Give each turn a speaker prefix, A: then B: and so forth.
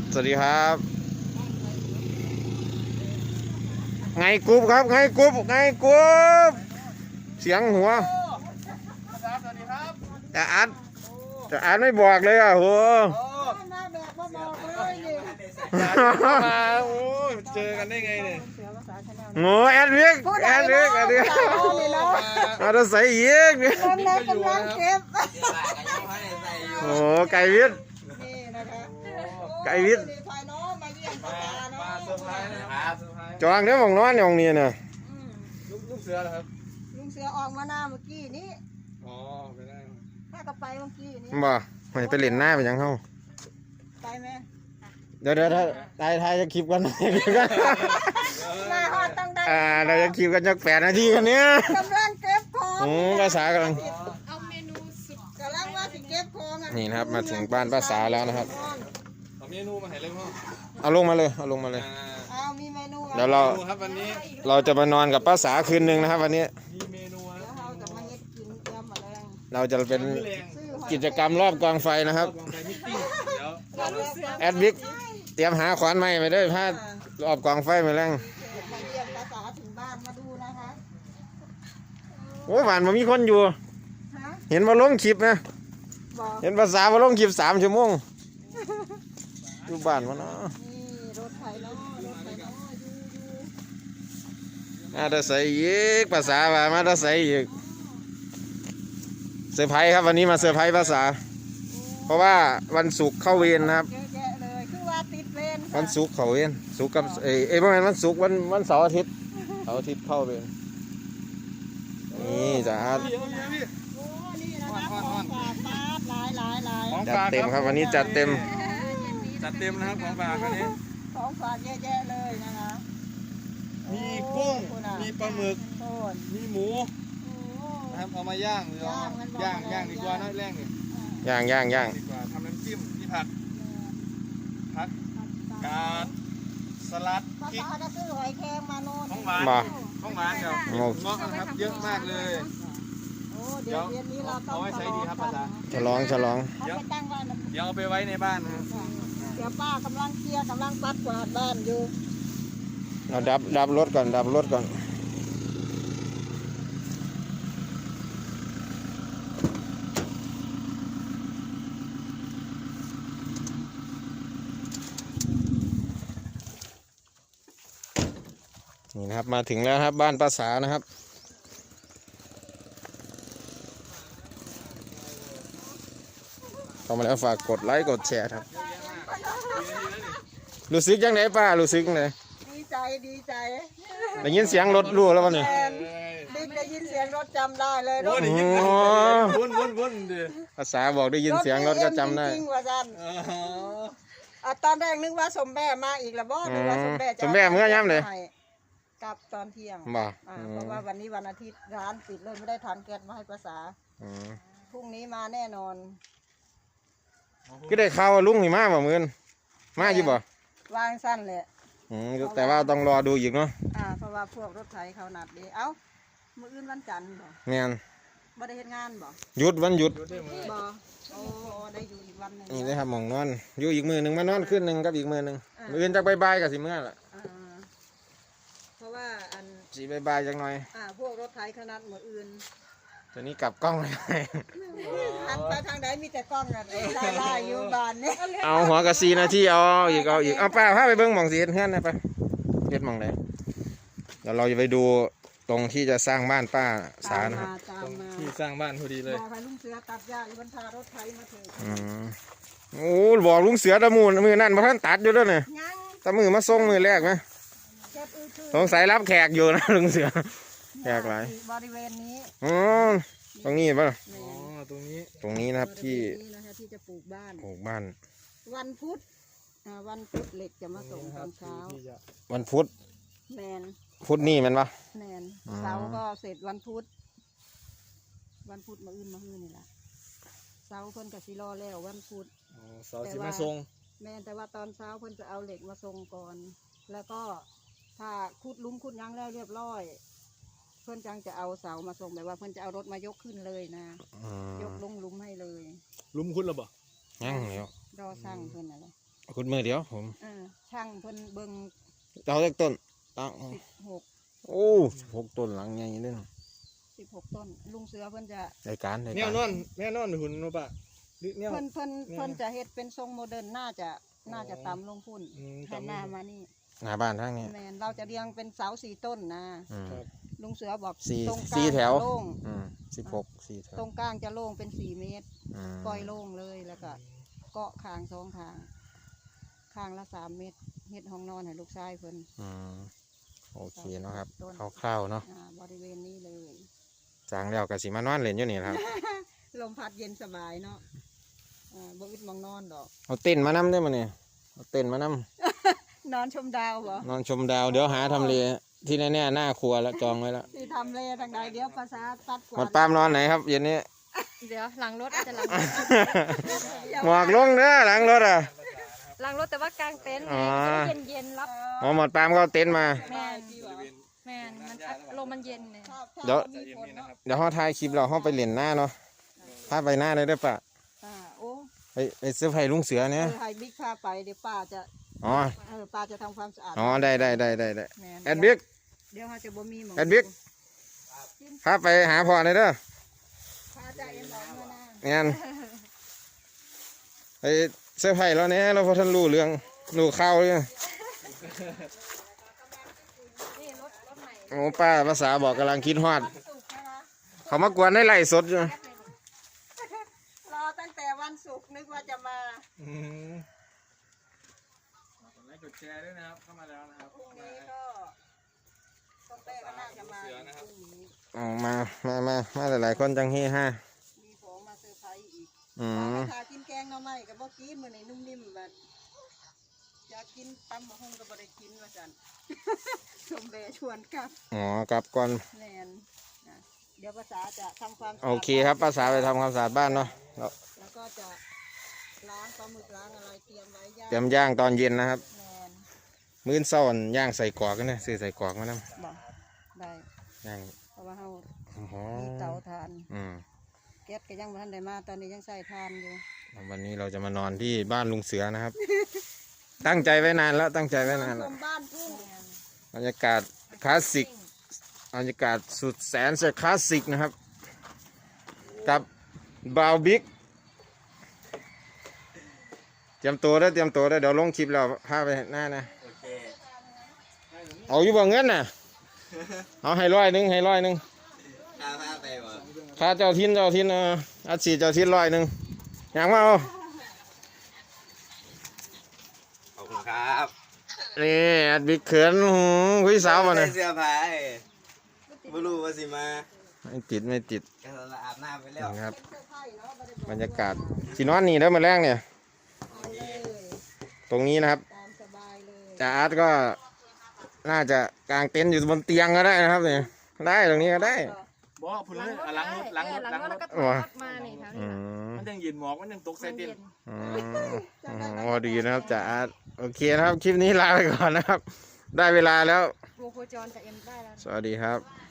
A: สวัสดีครับไงกรุ๊ปครับไงกรุ๊ปไงกรุ๊ปเสียงหัวแต่อัดไม่บอกเลยอ่ะโห
B: มาโอ้เจอกันได้ไงเนี่ย
A: โง่แอดเวิกมาจะใส่เยอะเนี่ยโอ้ไก่วิทย์ไก่วิทย์จองเดี๋ยวมองนอนอย่างนี้นะ
B: ลูกเสือเหรอครับ
C: ลุงเสือออกมาหน้าเมื่อกี้นี้
B: อ๋อไปได้
C: ถ้าก็ไปเมื่อกี้นี้
A: บ่มันไปเล่นหน้าไปยังเข้า
C: ไปไหม
A: เดี๋ยวถ้าทายจะคลิปกัน
C: มาฮอดต้องได้
A: เราจะคลิปกันจัก8 นาทีกันเนี้ย
C: กำลังเก็บของ
A: ภาษากำลัง
C: เอาเมนูสุดกำลังว่าสิเก็บของ
A: นี่นะครับมาถึงบ้านภาษาแล้วนะครับ
B: เอาเมนูมาให้เลยพ่อ
A: เอาลงมาเลย
C: เอามีเมนู
A: เดี๋ยวเรา
B: วันนี้
A: เราจะมานอนกับภาษาคืนนึงนะครับวันนี้
B: มีเมนู
C: เราจะมาเฮ็ดกินเตรียมมาแล้ว
A: เราจะเป็นกิจกรรมรอบกองไฟนะครับแอดบิ๊กเตรียมหาขวานไม้ไปด้วยผ้ารอบกองไฟมาแรง
C: มาเยี่ยมภาษาถึงบ้านมาดูนะคะ
A: โอ้หวานมันมีคนอยู่เห็นมาลงคลิปนะเห็นภาษามาลงคลิป3 ชั่วโมงอยู่บ้านมาเนาะ
C: นี่รถไถเนาะ
A: มาได้ใส่อีกภาษามาได้ใส่อีกเซอร์ไพรส์ครับวันนี้มาเซอร์ไพรส์ภาษาเพราะว่าวันศุกร์เข้าเวรนะครับ
C: เยอะแยะเลยคือว่าติดเวร
A: วันศุกร์เข้าเวรศุกร์กับประมาณวันศุกร์วันเสาร์อาทิตย์เข้าเวรนี่จ้าจัดเต็มครับวันนี้จัดเต็ม
B: นะครับของฝากวันนี้
C: ของฝากเยอะแยะเลยนะคะ
B: มีกุ้งมีปลาหมึกมีหมูนะครับเอามาย่างดีกว่านะแรงนี่
A: ย่าง
B: ดีกว่าทำน้ำจิ้มมีผักกาดสลัดพริก
C: จะซื้อหอยแครงมาโน่น
B: ของหวานครับเงาะนะครับเยอะมากเลย
C: เดี๋ยวนี้เราต้อง
B: เอาไว้ใช้ดีครับภาษา
A: ฉลอง
B: เดี๋ยวเอาไปไว้ในบ้านนะครับ
C: เดี๋ยวป้ากำลังเคลียร์กำลังปัดกวาดบ้านอยู่
A: เราดับรถก่อนนี่นะครับมาถึงแล้วครับบ้านภาษานะครับเข้ามาแล้วฝากกดไลค์กดแชร์ครับรู้สึกยังไงป้ารู้สึกยังไง
C: ดีใจ
A: ได้ยินเสียงรถรู้แล้ววันนี้
C: ได้ยินเสียงรถจำได้เลยรถ
B: วน
A: ภาษาบอกได้ยินเสียงรถก็จำได้
C: จริงว่าจันตอนแรกนึกว่าสมแม่มาอีกแล้วบ่นึกว่าสมแม่
A: เมื่อย้ำเลย
C: กลับตอนเที่ยง
A: บ่
C: เพราะว่าวันนี้วันอาทิตย์ร้านปิดเลยไม่ได้ทานแก๊สมาให้ภาษาพรุ่งนี้มาแน่นอน
A: ก็ได้ข่าวว่าลุงนี่มาบ่มื้อมาอยู่บ่
C: วางสั้นเลย
A: แต่ว่าต้องรอดูอีกเนาะ
C: เพราะว่าพวกรถไถเขานัดดีเอ้ามื้ออื่นวันจันทร์บ่
A: แม่น
C: บ่ได้เฮ็ดงานบ่
A: หยุดวันหยุด
C: บ่โอ้ได้อยู่อีกวันนึง
A: นี่ได้ครับหม่องนอนอยู่อีกมื้อนึงมานอนคืนนึงกับอีกมื้อนึงมื้ออื่นจักบ่ายๆก็สิมื้อละ
C: เพราะว่า
A: สิบ่ายๆจักหน่อย
C: พวกรถไถเขานัดมื้ออื่น
A: ตอนนี้กลับกล้องเลย
C: หันไปทางไหนมีแต่กล้องน่ะไล่อยู่บ้านนี่
A: เอาหัวกะ4 นาทีเอาอีกเอาป้าพาไปเบิ่งหม่องสิเฮ็ดเฮือนนะไปเฮ็ดหม่องไหนเดี๋ยวเราจะไปดูตรงที่จะสร้างบ้านป้าสานะครับ
B: ที่สร้างบ้านพอดีเลย
C: บอกให้ลุงเสือตัดหญ้าอยู่บนทารถไถมาเถอะ
A: โอ้บอกลุงเสือตะมูนมือนั่นมาท่านตัดอยู่แล้วเนี่ยตะมือมาส่งมือแรกไหมสงสัยรับแขกอยู่นะลุงเสือแขกหลาย
C: บริเวณนี้
A: ตรงนี้ป่ะ
B: ตรง
A: นี้นะครับที่
C: จะปลูกบ้าน วันพุธเหล็กจะมาส่งตอนเช้า
A: วันพุธ
C: แมน
A: พุธนี่มันปะ
C: แมนเสาร์ก็เสร็จวันพุธมาอื่นนี่แหละเสาร์เพิ่นกับสิรอแล้ววันพุธ
B: เสาร์สิมาส่ง
C: แมนแต่ว่าตอนเช้าเพิ่นจะเอาเหล็กมาส่งก่อนแล้วก็ถ้าขุดหลุมขุดยังแล้วเรียบร้อยเพื่อนจังจะเอาเสามาส่งแบบว่าเพื่อนจะเอารถมายกขึ้นเลยนะยกลงหลุมให้เลย
B: หลุมคุณหรือเปล่า
A: ยังเหรอ
C: รอสร้างเพื่อนอะไร
A: ขุดมือเดียวผม
C: ช่างเพิ่นเบิ่ง
A: เอาจากต้นตั้ง
C: 16
A: โอ้6ต้นหลังใหญ่เลยเนาะ
C: 16 ต้นลุงเสือเพิ่นจะ
A: ได้การได้
B: แน
A: กาว ร
B: นอนแนวนอนหุ่นนูปะหรือแนว
C: เพิ่นจะเฮ็ดเป็นทรงโมเดิร์นน่าจะต่ำลงพุ่น
B: ต่ำลง
C: หันหน้ามานี่
A: หน้าบ้านทางนี้
C: แมนเราจะเรียงเป็นเสา4 ต้นนะ
A: อืม
B: ครับ
C: ลุงเสือบอก
A: สี่
C: ตรงกลาง
A: สี่แถว
C: จะโล่ง
A: 16 4แถว
C: ตรงกลางจะโล่งเป็น4 เมตร
A: อืม
C: ปล่อยโล่งเลยแล้วก็เกาะคาง2คางคางละ3 เมตรเฮ็ดห้องนอนให้ลูกชายเพิ่น
A: อืมโอเคเนาะครับคร่าวๆเนาะ
C: บริเวณนี้เลย
A: จางแล้วก็สิมานอนเล่นอยู่นี่ครับ
C: ลมพัดเย็นสบายเนาะบ่อึดมองนอนดอก
A: เอาเต้นท์มานำได้อมาเนี่ยเอาเต้นท์มานำ
C: นอนชมดาวบ่
A: นอนชมดาวเดี๋ยวหาทำเลที่แน่ๆหน้าครัวแล้วจองไว้แล้ว
C: ที่ทำเลทางใดเดี๋ยวภาษาตัดก
A: หม
C: ว่า
A: ดปามนอนไหนครับเย็นนี้
D: เดี๋ยวหลังรถอาจจะหลัง
A: หมอกลงเด้อหลังรถอ่ะ
D: หลังรถแต่ว่ากลางเต็นท์
A: อ๋อ
D: เย็นเย็นๆรับ
A: อ๋อหมดปามก็เอาเต็นท์มา
D: แมนแมนมันลมมันเย็นเนี่ย
A: เดี๋ยว
C: มีฝนเนาะ
A: เดี๋ยวเขาถ่ายคลิปเราเขาไปเล่นหน้าเนาะพาไปหน้าเลยได้อปะ
C: โอ้
A: ไปซื้อไผ่ลุงเสือเนี่ย
C: ให้บิ๊กพาไปเดี๋ยวป้าจะ
A: อ๋อ
C: ป้าจะทำความสะอาด
A: อ๋อได้
C: แม่น
A: แอดบิ๊ก
C: เดี๋ยวเขาจะบ่มีหมอง
A: แอดบิ๊กพาไปหาพ่อเลยเด้อ
C: พาจะเอ็นหลังมานะ
A: งั้นไปเสื้อไผ่แล้วเนี่ยเราพอท่านรู้เรื่องรู้ข่าวเลย
D: นี่รถใหม่
A: โอ้ป้าภาษาบอกกำลังคิดฮอด
C: สุกนะคะ
A: เขามากวนให้ไล่สดอยู่
C: รอตั้งแต่วันศุกร์นึกว่าจะมา
B: กดไลค์กดแชร์ด้วยนะครับเข้ามาแล้วนะครับ
C: พรุ่งนี้ก็ต้องเต้ก็น่าจะมาพรุ่งนี้
A: อ๋อมาหลายๆคนจังเฮฮา
C: มีของมาเซอร์ไพรส์อีก
A: อืม
C: ถ้ากินแกงหน่อไม้กับบ่กินมื้อนี้นุ่มนิ่มแบบอยากกินตำมะฮุ่งก็บ่ได้กินว่าซั่น ชมเบชวนกลับ
A: อ๋อกลับก่อน
C: แน่นนะเดี๋ยวภาษาจะทำความสะอาด
A: โอเคครับภาษาไปทำความสะอาดบ้านเนาะแล้ว
C: แล้วก็จะล้างปลาหมึกล้างอะไรเตรียมไว้ย่าง
A: เตรียมย่างตอนเย็นนะครับ
C: แนน
A: มื้อเช้าอั่นย่างใส่กรอกกันนะซื้อใส่กรอกมานะ
C: บอกได้
A: ย่าง
C: เพราะว่าเฮา
A: หอ
C: มี
A: ม
C: เตาทาน
A: อืม
C: แก๊สก็ยังบ่ทันได้มาตอนนี้ยังใส่ทานอยู่
A: วันนี้เราจะมานอนที่บ้านลุงเสือนะครับ ตั้งใจไว้นานแล้วตั้งใจไว้นาน
C: ช
A: แล้ว
C: มบ้านทุ่ง
A: บรรยากาศคลาสสิกบรรยากาศสุดแสนจะคลาสสิกนะครับ กับบาวบิ๊กเตรียมตัวได้อเตรียมตัวได้อเดี๋ยวลงคลิปแล้วพาไปหน้านะ
B: โอเค
A: เอาอยู่บ่เงินน่ะ เอาให้ร้อยหนึ่งให้ร้อยหนึ่ง
B: พาไปบ่
A: ค่าเจ้าทินอัดฉีดเจ้าทินร้อยหนึ่งอย่างมาเอา
B: ขอบคุณครับ
A: นี่อัดบิ๊กเขินคุยสาวมาเนี่ย
B: เสื้อผ้าไม่รู้ว่าสิมา
A: ไม่ติด
B: ก็อาบน้ำไปแล้ว
A: นะครับ
C: เสื้อผ้าเนาะบ่ได้บอก
A: บรรยากาศที่นอนนี่แล้วมาแรงเนี่ย
C: เอาเลย
A: ตรงนี้นะครับ
C: ตามสบายเลย
A: จ่าอาร์ตก็น่าจะกางเต็นท์อยู่บนเตียงก็ได้นะครับเนี่ยได้ตรงนี้ก็ได้
B: บอกพูดเลยหลังรถหลังรถ
D: หลัง
B: หลัง
D: รถ
B: ร
D: แล้ว
B: ถ
D: ก็ถอยรถมานี่แถว
A: อื
D: นี้
A: ม
B: มันยังเย็นหมอกมันยังตกใส่
D: มัน
B: เต็น
D: เย็น
A: โอ้ดีนะครับจ่าอาร์ตโอเคนะครับ คลิปนี้ลาไปก่อนนะครับ ได้เวลาแล้ว
D: วงโคจรจากเอ็มได้แล้ว
A: สวัสดีครับ